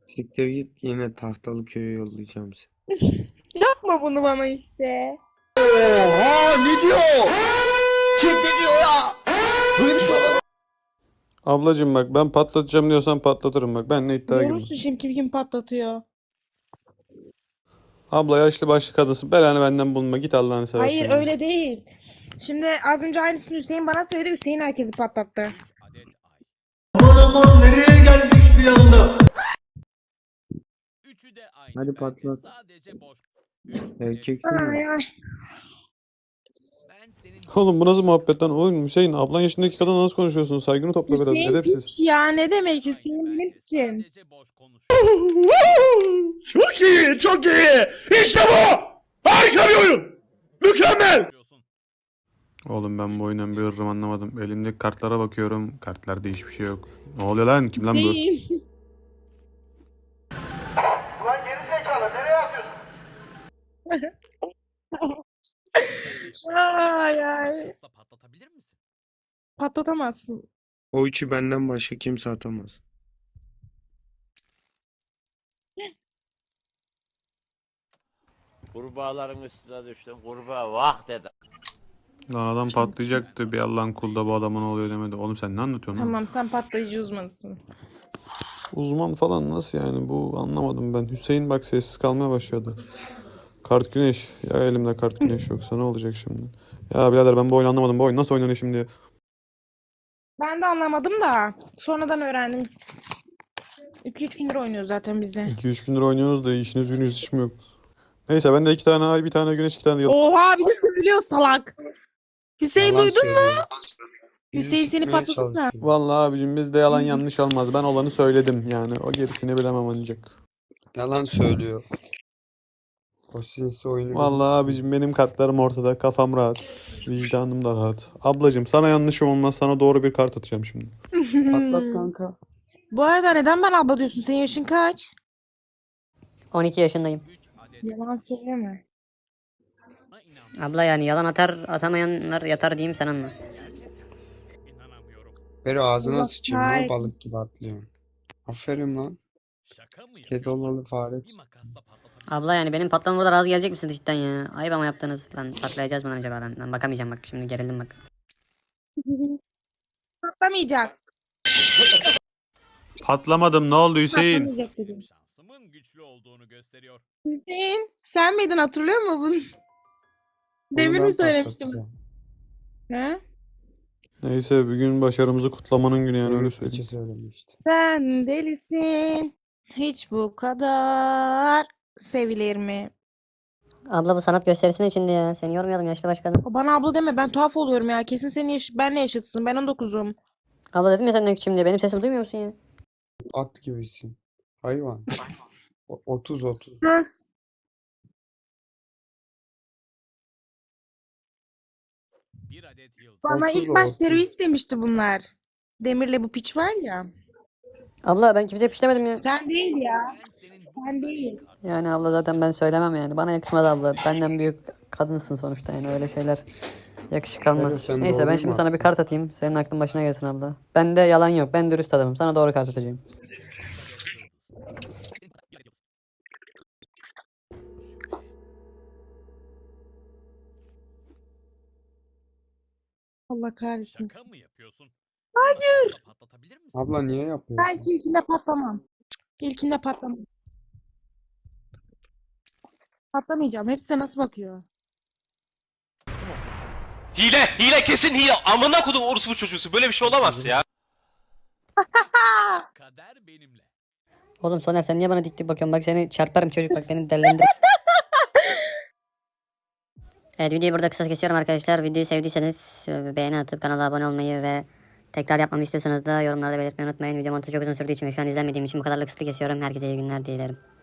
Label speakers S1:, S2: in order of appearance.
S1: Siktir git, yine tahtalı köye yollayacağım seni.
S2: Yapma bunu bana işte.
S3: Oha ne diyor? Kim ne diyor ya? Böyle bir şey olamaz.
S4: Ablacım bak, ben patlatacağım diyorsan patlatırım bak. Benle iddiaya girme.
S2: Görürsün şimdi kim patlatıyor.
S4: Abla yaşlı başlı kadınsın. Belanı benden bulma. Git Allah'ını seversen.
S2: Hayır
S4: ya.
S2: öyle değil. Şimdi az önce aynısını Hüseyin bana söyledi. Hüseyin herkesi patlattı.
S3: Aman aman nereye geldik bir anda?
S5: Üçü de aynı.
S1: Hadi
S5: bence.
S1: patlat.
S5: Sadece boş.
S1: Erkeksin
S2: Ay
S1: ya.
S2: ay.
S5: Ben senin
S4: Oğlum bu nasıl muhabbet lan? Oğlum Hüseyin, ablan yaşındaki kadınla nasıl konuşuyorsun? Saygını topla biraz.
S2: Hüseyin
S4: Edepsiz.
S2: hiç ya ne demek
S5: aynı.
S2: Hüseyin ne
S5: Bence
S2: biçim?
S5: sadece boş konuşuyor.
S3: Çok iyi çok iyi. İşte bu. Harika bir oyun. Mükemmel.
S4: Oğlum ben bu oyundan bir ırrım anlamadım. Elimdeki kartlara bakıyorum. Kartlarda hiçbir şey yok. Ne oluyor lan? Kim lan bu?
S2: Hüseyin.
S3: Ulan geri zekalı nereye atıyorsun?
S2: Ay ay.
S5: Pasta patlatabilir misin?
S2: Patlatamazsın.
S1: O üçü benden başka kimse atamaz.
S6: Kurbağaların üstüne düştüm. Kurbağa vah dedi.
S4: Lan adam patlayacaktı. Bir Allah'ın kulu da bu adama ne oluyor demedi. Oğlum sen ne anlatıyorsun lan?
S2: Tamam sen patlayıcı uzmanısın.
S4: Uzman falan nasıl yani? Bu anlamadım ben. Hüseyin bak sessiz kalmaya başladı. Kart güneş. Ya elimde kart güneş yoksa ne olacak şimdi? Ya birader ben bu oyunu anlamadım. Bu oyun nasıl oynanıyor şimdi?
S2: Ben de anlamadım da sonradan öğrendim. 2-3 gündür oynuyor zaten bizde.
S4: 2-3 gündür oynuyoruz da işiniz gününüz hiç mi yok? Neyse ben de 2 tane ay, bir tane güneş, 2 tane de yıldız.
S2: Oha bir de söylüyor salak. Hüseyin
S1: Yalan
S2: duydun mu?
S1: söylüyor.
S2: Hüseyin
S1: Bizi
S2: seni
S1: sıkmaya
S2: patladı mı?
S1: çalışıyor.
S4: Vallahi abicim bizde yalan yanlış olmaz. Ben olanı söyledim yani. O gerisini bilemem ancak.
S1: Yalan söylüyor. O sinsi oyunu
S4: Vallahi abicim benim kartlarım ortada. Kafam rahat. Vicdanım da rahat. Ablacım sana yanlışım olmaz. Sana doğru bir kart atacağım şimdi.
S1: patlat kanka.
S2: Bu arada neden ben abla diyorsun? Senin yaşın kaç?
S7: 12 yaşındayım.
S5: 3 adet
S2: Yalan söyleme.
S5: buna inan.
S7: Abla yani yalan atar atamayanlar yatar diyeyim sen anla.
S5: İnanamıyorum.
S1: Beri ağzına
S2: Allah
S1: sıçayım lan,
S2: kahretsin.
S1: balık gibi atlıyorsun. Aferin lan.
S5: Şaka mı
S1: Kedi
S5: yapıyorsun?
S1: olalı fare.
S5: Bir makasla patlatabilir
S7: Abla yani benim patlamam burada razı gelecek misiniz cidden ya? Ayıp ama yaptınız. Lan patlayacağız mı lan acaba lan? Lan bakamayacağım bak şimdi gerildim bak.
S2: Patlamayacak.
S4: Patlamadım. Ne oldu Hüseyin?
S2: Patlamayacak dedim.
S5: şansımın güçlü olduğunu gösteriyor.
S2: Hüseyin sen miydin hatırlıyor musun bunu? Demir
S1: Onu
S2: mi
S1: ben
S2: söylemiştim?
S1: patlatacağım.
S2: He?
S4: Neyse bugün başarımızı kutlamanın günü yani öyle
S1: Evet,
S4: söyleyeyim.
S1: geçe söylemişti.
S2: Sen delisin. Hiç bu kadar sevilir mi?
S7: Abla bu sanat gösterisinin içinde ya. Seni yormayalım yaşlı başkanım.
S2: Bana abla deme ben tuhaf oluyorum ya. Kesin senin benle yaşıtsın. Ben 19'um.
S7: Abla dedim ya senden küçüğüm diye. Benim sesimi duymuyor musun ya?
S1: At gibisin. Hayvan. 30.
S2: Sus.
S5: Bir adet yıldız.
S2: Bana
S1: 30
S2: ilk baş
S1: 30.
S2: terörist demişti bunlar. Demir'le bu piç var ya.
S7: Abla ben kimseye pişlemedim ya.
S2: Sen değil ya.
S5: Ben senin
S2: Sen değil.
S7: Yani abla zaten ben söylemem yani. Bana yakışmaz abla. Benden büyük kadınsın sonuçta yani öyle şeyler yakışık almaz.
S1: sen
S7: Neyse ben
S1: doğruyu
S7: şimdi
S1: mu
S7: sana bir
S1: attın?
S7: kart atayım. Senin aklın başına gelsin abla. Bende yalan yok. Ben dürüst adamım. Sana doğru kart atacağım.
S2: Allah kahretsin.
S5: Şaka mı yapıyorsun? Hayır. Patlatabilir misin?
S1: Abla niye yapıyorsun?
S2: Belki ilkinde patlamam. İlkinde patlamam. Patlamayacağım. Hepsi de nasıl bakıyor?
S8: Hile kesin hile. Amına kodum orospu çocuğusu. Böyle bir şey olamaz ya.
S5: Kader benimle.
S7: Oğlum Soner sen niye bana dik dik bakıyorsun? Bak seni çarparım çocuk bak beni delilendir. Evet videoyu burada kısa kesiyorum arkadaşlar. Videoyu sevdiyseniz beğeni atıp kanala abone olmayı ve tekrar yapmamı istiyorsanız da yorumlarda belirtmeyi unutmayın. Video montajı çok uzun sürdüğü için ve şu an izlenmediğim için bu kadarlık kısıtlı kesiyorum. Herkese iyi günler dilerim.